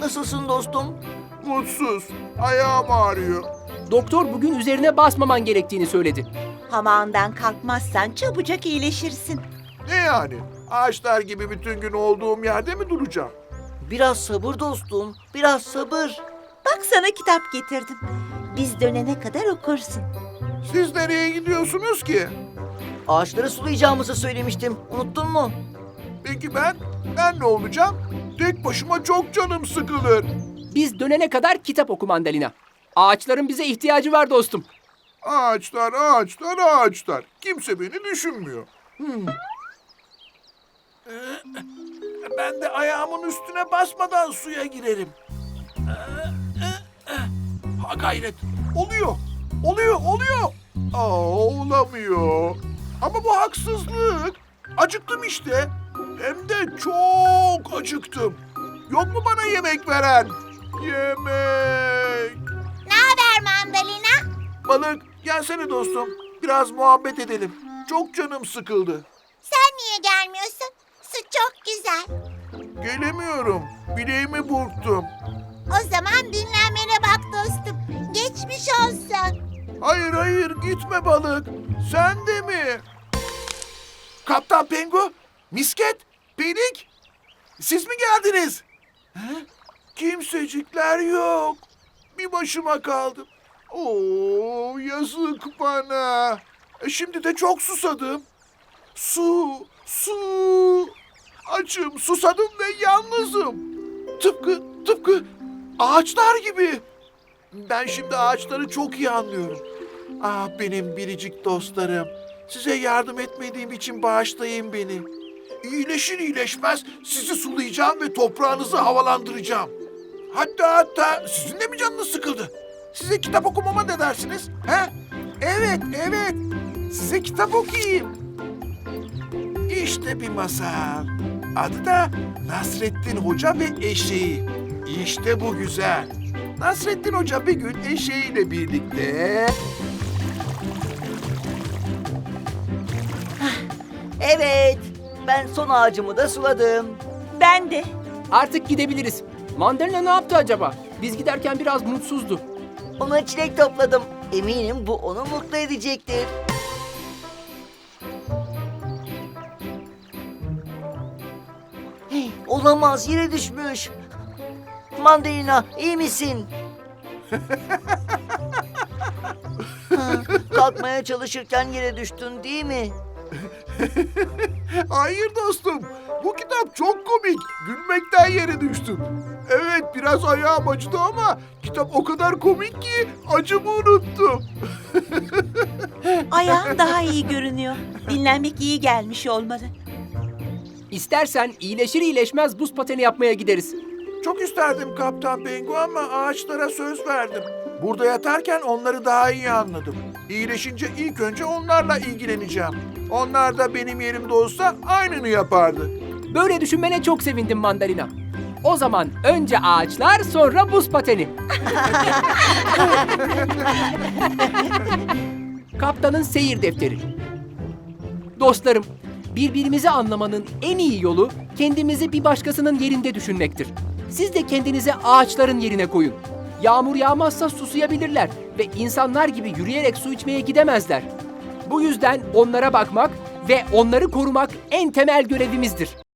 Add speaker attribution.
Speaker 1: Nasılsın dostum?
Speaker 2: Mutsuz. Ayağım ağrıyor.
Speaker 3: Doktor bugün üzerine basmaman gerektiğini söyledi.
Speaker 4: Hamağından kalkmazsan çabucak iyileşirsin.
Speaker 2: Ne yani? Ağaçlar gibi bütün gün olduğum yerde mi duracağım?
Speaker 1: Biraz sabır dostum, biraz sabır.
Speaker 4: Bak sana kitap getirdim. Biz dönene kadar okursun.
Speaker 2: Siz nereye gidiyorsunuz ki?
Speaker 1: Ağaçları sulayacağımızı söylemiştim. Unuttun mu?
Speaker 2: Peki ben ne olacağım? Tek başıma çok canım sıkılır.
Speaker 3: Biz dönene kadar kitap oku Mandalina. Ağaçların bize ihtiyacı var dostum.
Speaker 2: Ağaçlar, ağaçlar, ağaçlar. Kimse beni düşünmüyor. Ben de ayağımın üstüne basmadan suya girerim. Ha gayret. Oluyor. Oluyor. Olamıyor. Ama bu haksızlık. Acıktım işte. Hem de çok acıktım. Yok mu bana yemek veren? Yemek.
Speaker 4: Mandalina?
Speaker 2: Balık gelsene dostum. Biraz muhabbet edelim. Çok canım sıkıldı.
Speaker 4: Sen niye gelmiyorsun? Su çok güzel.
Speaker 2: Gelemiyorum. Bileğimi burktum.
Speaker 4: O zaman dinlenmene bak dostum. Geçmiş olsun.
Speaker 2: Hayır gitme balık. Sen de mi? Kaptan Pengu, Misket, Pelik. Siz mi geldiniz? Kimsecikler yok. Bir başıma kaldım. Oo, yazık bana. Şimdi de çok susadım. Su. Açım, susadım ve yalnızım. Tıpkı ağaçlar gibi. Ben şimdi ağaçları çok iyi anlıyorum. Ah benim biricik dostlarım. Size yardım etmediğim için bağışlayın beni. İyileşir iyileşmez sizi sulayacağım ve toprağınızı havalandıracağım. Hatta sizin de mi canınız sıkıldı? Size kitap okumama ne dersiniz? He? Evet. Size kitap okuyayım. İşte bir masal. Adı da Nasrettin Hoca ve Eşeği. İşte bu güzel. Nasrettin Hoca bir gün eşeğiyle birlikte...
Speaker 1: Evet, ben son ağacımı da suladım.
Speaker 4: Ben de.
Speaker 3: Artık gidebiliriz. Mandalina ne yaptı acaba? Biz giderken biraz mutsuzdu.
Speaker 1: Ona çilek topladım. Eminim bu onu mutlu edecektir. Hey, olamaz, yere düşmüş. Mandalina, iyi misin? Kalkmaya çalışırken yere düştün değil mi?
Speaker 2: Hayır dostum, bu kitap çok komik. Gülmekten yere düştüm. Evet, biraz ayağım acıdı ama kitap o kadar komik ki acımı unuttum.
Speaker 4: Ayağın daha iyi görünüyor. Dinlenmek iyi gelmiş olmalı.
Speaker 3: İstersen iyileşir iyileşmez buz pateni yapmaya gideriz.
Speaker 2: Çok isterdim Kaptan Pengu ama ağaçlara söz verdim. Burada yatarken onları daha iyi anladım. İyileşince ilk önce onlarla ilgileneceğim. Onlar da benim yerimde olsa aynını yapardı.
Speaker 3: Böyle düşünmene çok sevindim Mandalina. O zaman önce ağaçlar sonra buz pateni. Kaptanın seyir defteri. Dostlarım, birbirimizi anlamanın en iyi yolu kendimizi bir başkasının yerinde düşünmektir. Siz de kendinizi ağaçların yerine koyun. Yağmur yağmazsa susayabilirler ve insanlar gibi yürüyerek su içmeye gidemezler. Bu yüzden onlara bakmak ve onları korumak en temel görevimizdir.